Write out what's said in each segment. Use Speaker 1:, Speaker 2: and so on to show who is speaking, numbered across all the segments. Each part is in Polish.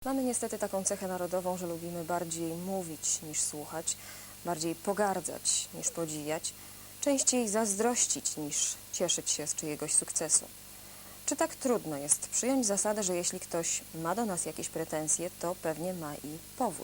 Speaker 1: Mamy niestety taką cechę narodową, że lubimy bardziej mówić niż słuchać, bardziej pogardzać niż podziwiać, częściej zazdrościć niż cieszyć się z czyjegoś sukcesu. Czy tak trudno jest przyjąć zasadę, że jeśli ktoś ma do nas jakieś pretensje, to pewnie ma i powód?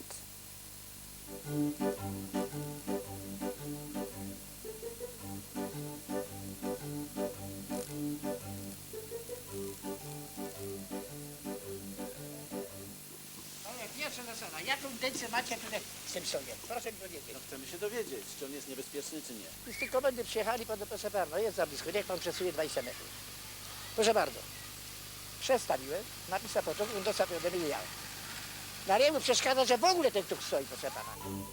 Speaker 2: Pierwsza zasada. Jaką intencję macie tutaj z tym sądem? Proszę mi powiedzieć.
Speaker 3: No chcemy się dowiedzieć, czy on jest niebezpieczny, czy nie.
Speaker 2: Już z tej komendy przyjechali pan do proszę pana. No jest za blisko. Niech pan przesunie 20 metrów. Proszę bardzo. Przestawiłem, napisał protokół, dostał ode mnie ja. Na niemu przeszkadza, że w ogóle ten tuk stoi, proszę pana.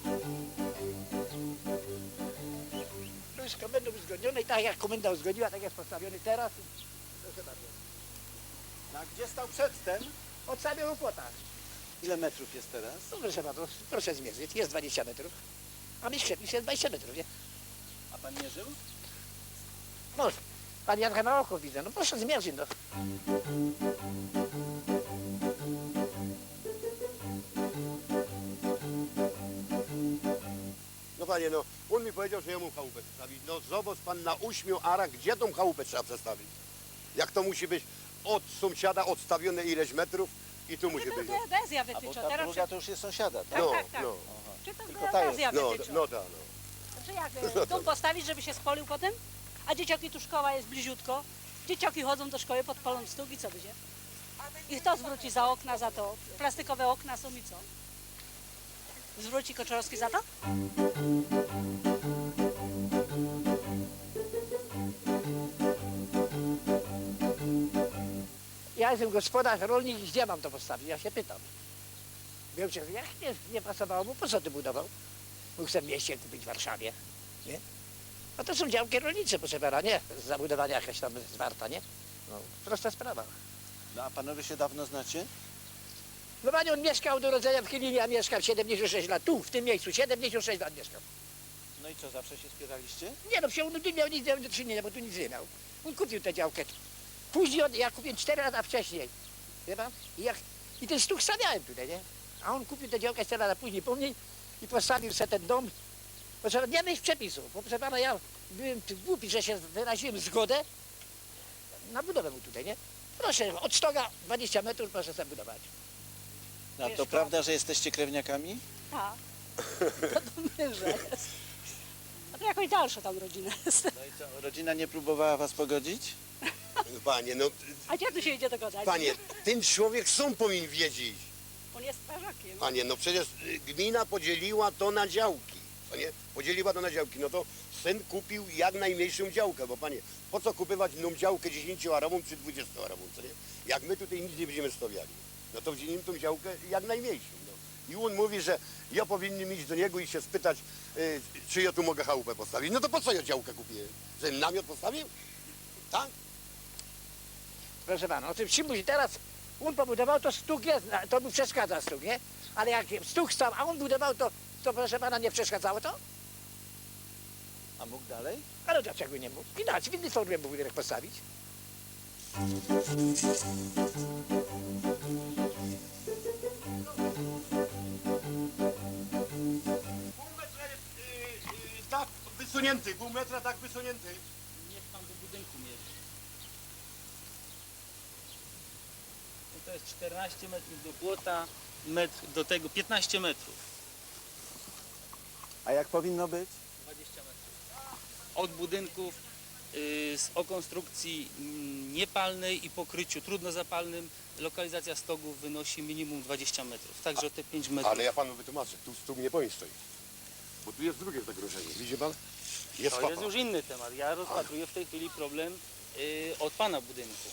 Speaker 2: To jest komendą uzgodnione i tak jak komenda uzgodniła, tak jest postawiony teraz. Proszę bardzo.
Speaker 3: A gdzie stał przedtem?
Speaker 2: Od samego płota.
Speaker 3: Ile metrów jest teraz?
Speaker 2: No proszę bardzo, proszę zmierzyć. Jest 20 metrów. A mi przepis jest 20 metrów, nie?
Speaker 3: A pan mierzył?
Speaker 2: Może. Pan Janka na oko widzę. No proszę zmierzyć, no.
Speaker 4: No panie, no, on mi powiedział, że ja mu chałupę przestawić. No zobacz pan na 8 arach, gdzie tą chałupę trzeba przestawić? Jak to musi być od sąsiada odstawione ileś metrów i tu musi być.
Speaker 5: Geodezja
Speaker 3: A bo
Speaker 5: wytycza.
Speaker 3: ta
Speaker 5: Teraz
Speaker 3: druga to już jest sąsiada, tak?
Speaker 4: No,
Speaker 5: tak, tak.
Speaker 4: no,
Speaker 5: czy to
Speaker 3: Tylko ta
Speaker 5: geodezja
Speaker 4: no,
Speaker 5: wytycza?
Speaker 4: no tak, no.
Speaker 5: Czy jak dom postawić, żeby się spolił potem? A dzieciaki, tu szkoła jest bliziutko. Dzieciaki chodzą do szkoły, podpalą stóg i co będzie? I kto zwróci za okna, za to? Plastikowe okna są i co? Zwróci Koczorowski za to?
Speaker 2: Ja jestem gospodarz, rolnik i gdzie mam to postawić? Ja się pytam. Wiem, że jak nie pasowało mu, po co ty budował? Mógł sobie w mieście kupić w Warszawie, nie? A to są działki rolnicze, proszę pana, nie? Zabudowania jakaś tam zwarta, nie? No, prosta sprawa.
Speaker 3: No a panowie się dawno znacie?
Speaker 2: No panie, on mieszkał do urodzenia w Chylinie, a mieszkam 76 lat, tu, w tym miejscu, 76 lat mieszkam.
Speaker 3: No i co, zawsze się spieraliście?
Speaker 2: Nie no, on nie miał nic do czynienia, bo tu nic nie miał. On kupił tę działkę. Później ja kupiłem 4 lata wcześniej. Wie pan? I ten stuk stawiałem tutaj, nie? A on kupił tę działkę 4 lata później po mnie i postawił sobie ten dom. Proszę pana, nie mieć przepisu, bo proszę pana, ja byłem głupi, że się wyraziłem zgodę na budowę mu tutaj, nie? Proszę, od stoga 20 metrów proszę sobie budować.
Speaker 3: No, to prawda, że jesteście krewniakami?
Speaker 5: Tak. To do męża jest. A to jakoś dalsza tam rodzina jest.
Speaker 3: No i co, rodzina nie próbowała was pogodzić?
Speaker 4: Panie, no,
Speaker 5: A gdzie tu się idzie dogadać?
Speaker 4: panie, ten człowiek sam powinien wiedzieć.
Speaker 5: On jest strażakiem.
Speaker 4: Panie, no przecież gmina podzieliła to na działki, co nie? Podzieliła to na działki, no to syn kupił jak najmniejszą działkę, bo panie, po co kupywać inną działkę 10-arową czy 20-arową, co nie? Jak my tutaj nic nie będziemy stawiali, no to wzięliśmy tą działkę jak najmniejszą, no. I on mówi, że ja powinien iść do niego i się spytać, czy ja tu mogę chałupę postawić. No to po co ja działkę kupiłem? Żebym namiot postawił? Tak?
Speaker 2: Proszę pana, o tym Szymuś teraz on pobudował, to stuk jest, to mu przeszkadza stuk, nie? Ale jak stuk stał, a on budował, to proszę pana nie przeszkadzało to?
Speaker 3: A mógł dalej?
Speaker 2: Ale dlaczego nie mógł? Inaczej, w innej formie mógł budynek postawić.
Speaker 4: Pół metra jest tak wysunięty, pół metra tak wysunięty.
Speaker 6: Niech pan do budynku mierzy. No to jest 14 metrów do płota, metr do tego 15 metrów.
Speaker 3: A jak powinno być?
Speaker 6: 20 metrów. Od budynków o konstrukcji niepalnej i pokryciu trudnozapalnym lokalizacja stogów wynosi minimum 20 metrów. Także te 5 metrów.
Speaker 4: Ale ja panu wytłumaczę, tu stół nie powinien stoić. Bo tu jest drugie zagrożenie, widzi pan? Jest
Speaker 6: To
Speaker 4: papa.
Speaker 6: jest już inny temat. Ja rozpatruję w tej chwili problem od pana budynku.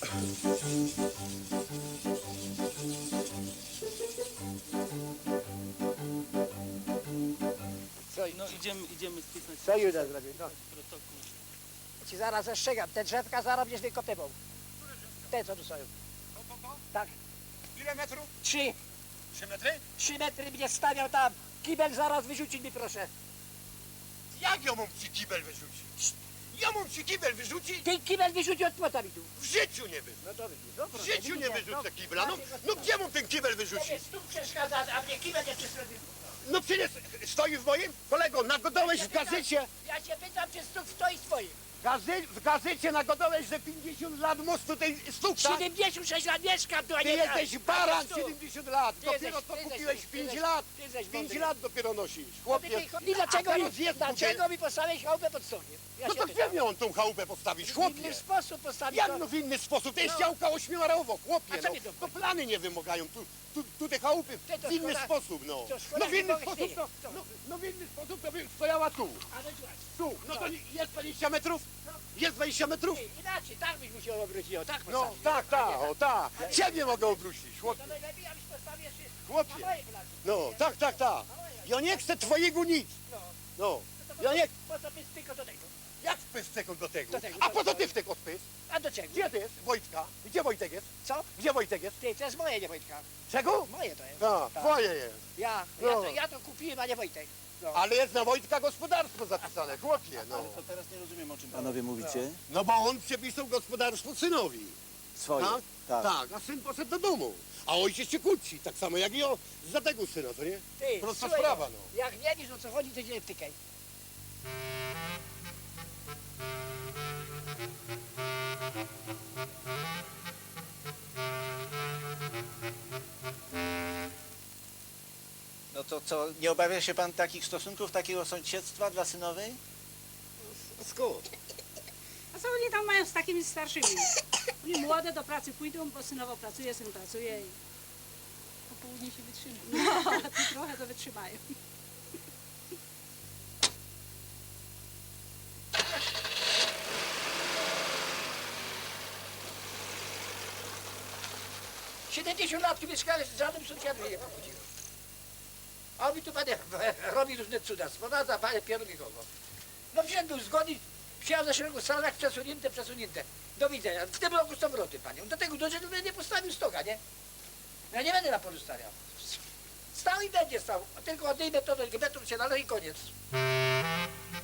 Speaker 2: Co,
Speaker 6: No idziemy spisać
Speaker 2: co Juda zrobił? No.
Speaker 6: protokół.
Speaker 2: Ci zaraz zastrzegam, te drzewka zaraz będziesz wykopywał. Te co tu stoją. Tak,
Speaker 4: Ile metrów?
Speaker 2: 3
Speaker 4: metry?
Speaker 2: 3 metry mnie stawiał tam. Kibel zaraz wyrzucić mi proszę.
Speaker 4: Jak ja mam ci kibel wyrzucić? Ja mam ci kibel wyrzucić?
Speaker 2: Ten kibel wyrzuci od płota mi tu.
Speaker 4: W życiu nie wyrzucę.
Speaker 2: No to widzisz, no
Speaker 4: W
Speaker 2: proszę,
Speaker 4: życiu nie
Speaker 2: widzisz,
Speaker 4: wyrzucę kibla. No gdzie mam ten kibel wyrzucić?
Speaker 2: Tobie stóp przeszkadza, a mnie kibel jeszcze zrobił.
Speaker 4: No przecież stoi w moim? Kolego, nagodałeś w gazecie,
Speaker 2: Ja cię pytam, czy stóp stoi swoim.
Speaker 4: w gazecie nagodałeś, że 50 lat mostu tej stóp, tak?
Speaker 2: 76 lat mieszkam tu, a
Speaker 4: Ty
Speaker 2: nie
Speaker 4: jesteś baran 70 lat.
Speaker 2: Ty
Speaker 4: Dopiero
Speaker 2: jesteś-
Speaker 4: co
Speaker 2: ty jesteś-
Speaker 4: kupiłeś
Speaker 2: ty
Speaker 4: 5
Speaker 2: jesteś-
Speaker 4: lat.
Speaker 2: ty jesteś
Speaker 4: 5
Speaker 2: mądry.
Speaker 4: lat dopiero nosisz.
Speaker 2: I
Speaker 4: Chłopie.
Speaker 2: dlaczego mi postawiłeś chałupę pod stogiem? Ja
Speaker 4: No
Speaker 2: się
Speaker 4: to
Speaker 2: pytam.
Speaker 4: gdzie miał tą chałupę postawić,
Speaker 2: W
Speaker 4: chłopie?
Speaker 2: inny sposób postawić.
Speaker 4: Jak no w inny sposób? To jest
Speaker 2: No.
Speaker 4: działka ośmiorarowo,
Speaker 2: A
Speaker 4: chłopie.
Speaker 2: co
Speaker 4: No,
Speaker 2: mi to
Speaker 4: to plany nie wymagają. Tu te chałupy
Speaker 2: Ty to
Speaker 4: w inny
Speaker 2: szkoda-
Speaker 4: sposób, no.
Speaker 2: to szkoda,
Speaker 4: No w
Speaker 2: nie
Speaker 4: inny
Speaker 2: mogę
Speaker 4: sposób
Speaker 2: śmieje.
Speaker 4: to,
Speaker 2: Co?
Speaker 4: no w inny sposób to by stojała tu.
Speaker 2: Ale zobacz,
Speaker 4: Tu. No to jest 20 metrów? Jest 20 metrów?
Speaker 2: ty, inaczej, tak byś musiał obrócić, o tak
Speaker 4: No
Speaker 2: postawić.
Speaker 4: tak, tak, o tak. Ciebie mogę obrócić, chłopie.
Speaker 2: To najlepiej, abyś postawił jeszcze
Speaker 4: Chłopie.
Speaker 2: na mojej plaży.
Speaker 4: No, tak, tak, tak. Ja nie chcę twojego nic.
Speaker 2: No.
Speaker 4: No.
Speaker 2: To
Speaker 4: Ja nie...
Speaker 2: po co byś tylko do tego?
Speaker 4: Jak wpysz do tego?
Speaker 2: Do tego.
Speaker 4: A po co ty w tego wpysz?
Speaker 2: A do czego?
Speaker 4: Gdzie ty jest? Wojtka? Gdzie Wojtek jest?
Speaker 2: Co?
Speaker 4: Gdzie Wojtek jest?
Speaker 2: Ty, to jest moje, nie Wojtka.
Speaker 4: Czego?
Speaker 2: Moje to jest.
Speaker 4: A,
Speaker 2: Tak.
Speaker 4: twoje jest. No.
Speaker 2: Ja to kupiłem, a nie Wojtek. No.
Speaker 4: Ale jest na Wojtka gospodarstwo zapisane, chłopie, no.
Speaker 3: To teraz nie rozumiem, o czym panowie mówicie.
Speaker 4: No bo on przepisał gospodarstwo synowi.
Speaker 3: Swoje.
Speaker 4: Tak?
Speaker 3: Tak.
Speaker 4: Tak, a syn poszedł do domu. A ojciec się kłóci, tak samo jak i o za tego syna, co nie?
Speaker 2: Ty,
Speaker 4: Prosta
Speaker 2: słuchaj,
Speaker 4: sprawa, no.
Speaker 2: Jak nie wiesz, o co chodzi, to się nie wtykaj.
Speaker 3: No to co, nie obawia się pan takich stosunków, takiego sąsiedztwa dla synowej?
Speaker 4: Skąd?
Speaker 5: A co oni tam mają z takimi starszymi? Oni młode do pracy pójdą, bo synowo pracuje, syn pracuje i po południu się wytrzymają. No, tu trochę to wytrzymają.
Speaker 2: - 70 lat tu mieszkałem, z żadnym sąsiadem nie pochodziłem. A on mi tu panie robi różne cudactwo, na zapale pieru nikogo. No wziąłem był zgodny, przyjechał za szeregu salach, przesunięte. Do widzenia. W tym roku są wroty, panią. Do tego doszedł, że nie postawił stoga, nie? Ja nie będę na polu stawiał. Stał i będzie stał. Tylko odejmę to do metrów się należy i koniec.